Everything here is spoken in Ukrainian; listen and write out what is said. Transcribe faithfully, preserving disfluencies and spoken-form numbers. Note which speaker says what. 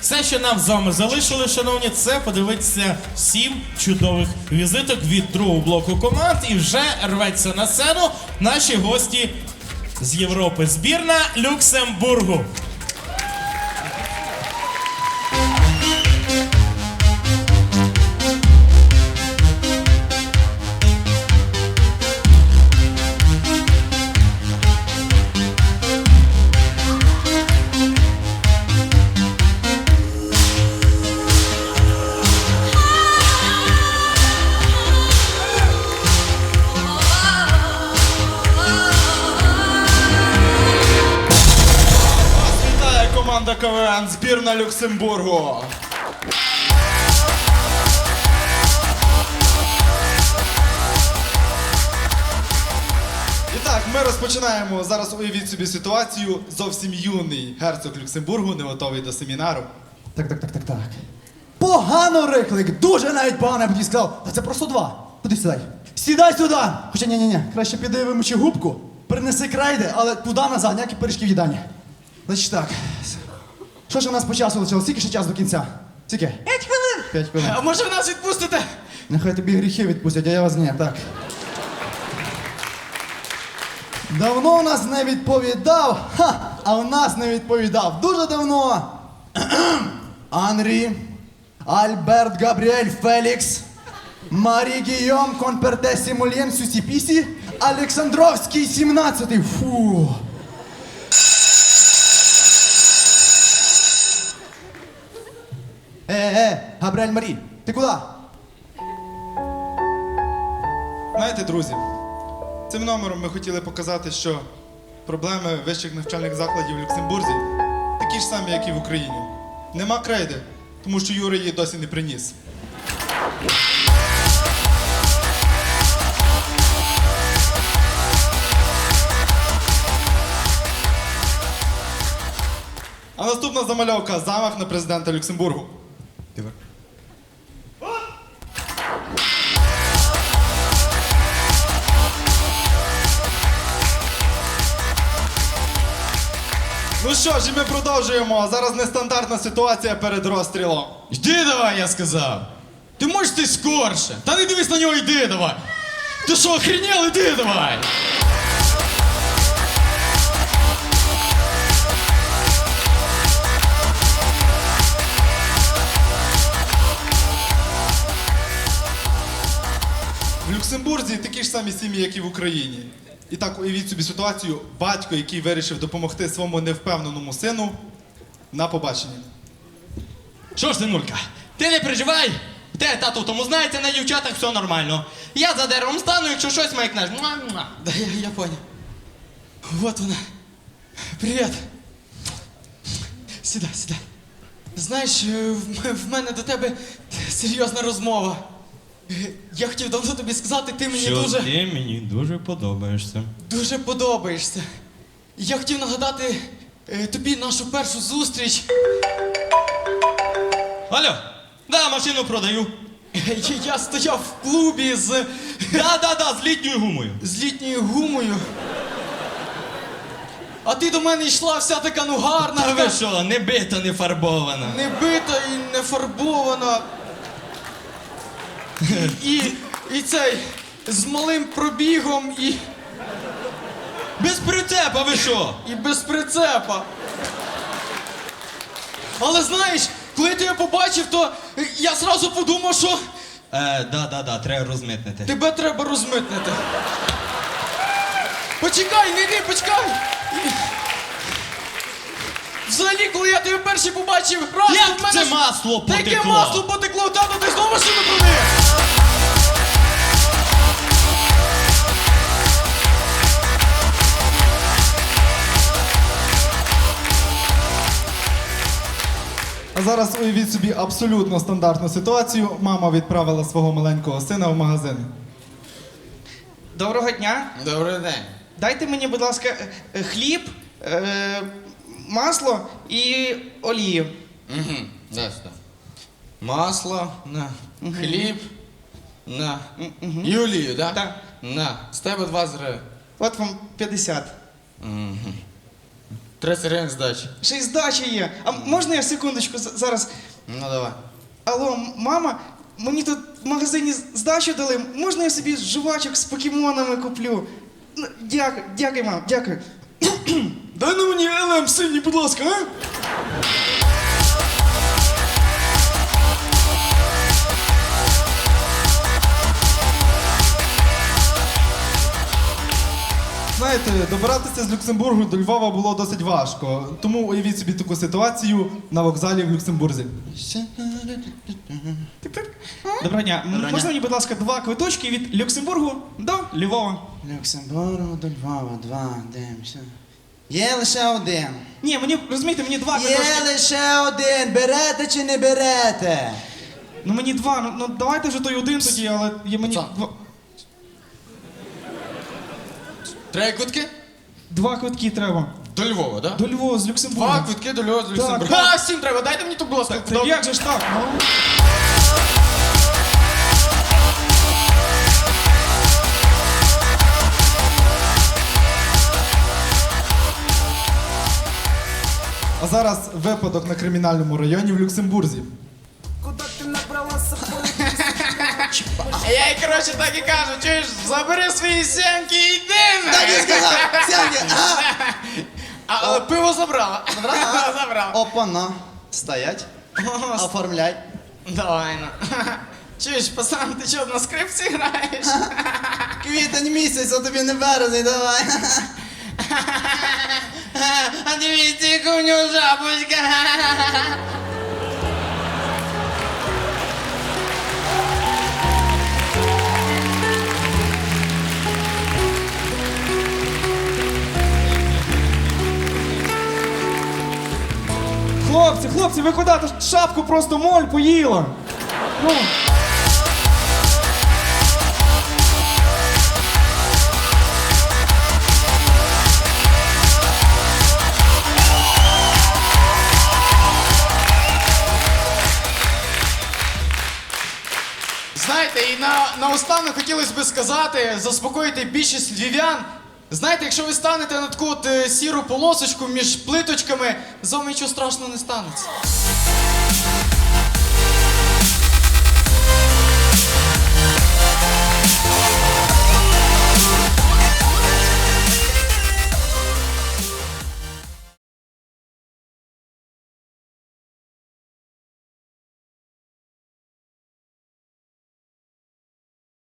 Speaker 1: Все, що нам з вами залишили, шановні, це подивитися сім чудових візиток від другого блоку команд. І вже рветься на сцену наші гості з Європи. Збірна Люксембургу.
Speaker 2: Команда КВН, збірна Люксембургу. І так, ми розпочинаємо. Зараз уявіть собі ситуацію. Зовсім юний герцог Люксембургу, не готовий до семінару.
Speaker 3: Так, так, так, так, так. Погано риклик, дуже навіть погано, я б тобі сказав. Та це просто два. Куди сідай? Сідай сюди! Хоча ні-ні-ні, краще піди вимочи губку, принеси крейди, але туди назад, ніякі пиріжки в їдані. Значить так. Що ж у нас по часу лишилось? Скільки ще час до кінця? Скільки?
Speaker 4: П'ять хвилин.
Speaker 3: П'ять хвилин.
Speaker 4: А може ви нас відпустите?
Speaker 3: Нехай тобі гріхи відпустять, а я вас ні. Так. Давно у нас не відповідав, ха, а у нас не відповідав. Дуже давно. Анрі, Альберт Габріель Фелікс, Марі Гійом Конперте Сімульєн Сюсіпісі, Олександровський сімнадцятий. Фу. Е-е, Габріель Марі, ти куди?
Speaker 2: Знаєте, друзі, цим номером ми хотіли показати, що проблеми вищих навчальних закладів в Люксембурзі такі ж самі, як і в Україні. Нема крейди, тому що Юра її досі не приніс. А наступна замальовка – замах на президента Люксембургу. Ну що ж, і ми продовжуємо. Зараз нестандартна ситуація перед розстрілом.
Speaker 4: Йди давай, я сказав. Ти можеш ти скорше. Та не дивись на нього, йди давай. Ти що, охренел, іди давай.
Speaker 2: В Люксембурзі такі ж самі сім'ї, як і в Україні. І так, уявіть собі ситуацію, батько, який вирішив допомогти своєму невпевненому сину на побаченні.
Speaker 4: Що ж, синулька, ти не переживай. Те тато в тому знається, на дівчатах все нормально. Я за деревом стану, якщо щось маякнеш. Муа-муа. Да, я, я понял. Вот вона. Привіт. Сідай, сідай. Знаєш, е, в м- в мене до тебе серйозна розмова. Е, Я хотів давно тобі сказати, ти мені
Speaker 1: Що
Speaker 4: дуже...
Speaker 1: ти мені дуже подобаєшся.
Speaker 4: Дуже подобаєшся. Я хотів нагадати е, тобі нашу першу зустріч. Алло, да, машину продаю. Я, я стояв в клубі з... Да-да-да, з літньою гумою. З літньою гумою. А ти до мене йшла вся така, ну гарна.
Speaker 1: Та
Speaker 4: така,
Speaker 1: ви що, не бита, не фарбована.
Speaker 4: не бита і не фарбована. І, і, і цей, з малим пробігом і...
Speaker 1: Без прицепа, ви що?
Speaker 4: І без прицепа. Але знаєш, коли я тебе побачив, то я зразу подумав, що
Speaker 1: Е, да-да-да, треба розмитнити.
Speaker 4: тебе треба розмитнити. Почекай, не йди, почекай. І- Взагалі, коли я тебе перший побачив, раз
Speaker 1: Як
Speaker 4: то в мене
Speaker 1: це
Speaker 4: ж-
Speaker 1: масло
Speaker 4: Та яке
Speaker 1: потекло?
Speaker 4: масло потекло? Тато, ти знову машину продаєш?
Speaker 2: А зараз уявіть собі абсолютно стандартну ситуацію. Мама відправила свого маленького сина в магазин.
Speaker 5: Доброго дня.
Speaker 4: Добрий день.
Speaker 5: Дайте мені, будь ласка, е, е, хліб, е, масло і олію.
Speaker 4: Угу, дай сюди. Масло, на. Хліб, на.
Speaker 5: Мгм.
Speaker 4: І олію, да?
Speaker 5: Так.
Speaker 4: На. З тебе двадцять гривень.
Speaker 5: От вам п'ятдесят.
Speaker 4: Угу. тридцять гривень здачі.
Speaker 5: Ще й здача є. А можна я секундочку з- зараз?
Speaker 4: Ну давай.
Speaker 5: Алло, м- мама, мені тут в магазині з- здачу дали. Можна я собі жувачок з покемонами куплю? Ну, дякую, дякую, мам, дякую. Дай на мені ел ем синій, будь ласка, а?
Speaker 2: Знаєте, добиратися з Люксембургу до Львова було досить важко. Тому уявіть собі таку ситуацію на вокзалі в Люксембурзі.
Speaker 5: Доброго дня. М,
Speaker 4: Доброго
Speaker 5: Можна
Speaker 4: дня.
Speaker 5: мені, будь ласка, два квиточки від Люксембургу до Львова?
Speaker 6: Люксембургу до Львова, два, дивимося. Є лише один.
Speaker 5: Ні, мені, розумієте, мені два
Speaker 6: Є
Speaker 5: квиточки.
Speaker 6: лише один. Берете чи не берете?
Speaker 5: Ну мені два, ну, ну давайте вже той один тоді, але є мені
Speaker 4: Пацан.
Speaker 5: два,
Speaker 4: Три квитки?
Speaker 5: два квитки треба.
Speaker 4: До Львова, так?
Speaker 5: До Львова з Люксембургу.
Speaker 4: Два квитки до Львова з Люксембурга.
Speaker 5: так.
Speaker 4: А, всім треба, дайте мені тут, будь ласка.
Speaker 5: Та як же ж так? Ну?
Speaker 2: А зараз випадок на кримінальному районі в Люксембурзі.
Speaker 4: Я їй, коротше, так і кажу, чуєш, забери свої сімки і йди.
Speaker 6: Так і сказав. Сянки.
Speaker 4: А, але пиво забрала. Забрала? Забрала.
Speaker 6: Опана. Стоять. Оформляй.
Speaker 4: Давай, ну. Чуєш, пацан, ти чого, на скрипці граєш?
Speaker 6: Квітень місяць, а тобі не березень, давай.
Speaker 4: А дивіться, яка у нього жабочка.
Speaker 5: Хлопці, хлопці, ви куди? Та ж шапку просто моль поїла. Ну.
Speaker 4: Знаєте, і на, наостанок хотілося б сказати, заспокоїти більшість львів'ян. Знаєте, якщо ви станете на таку от е, сіру полосочку між плиточками, з вами нічого страшного не станеться.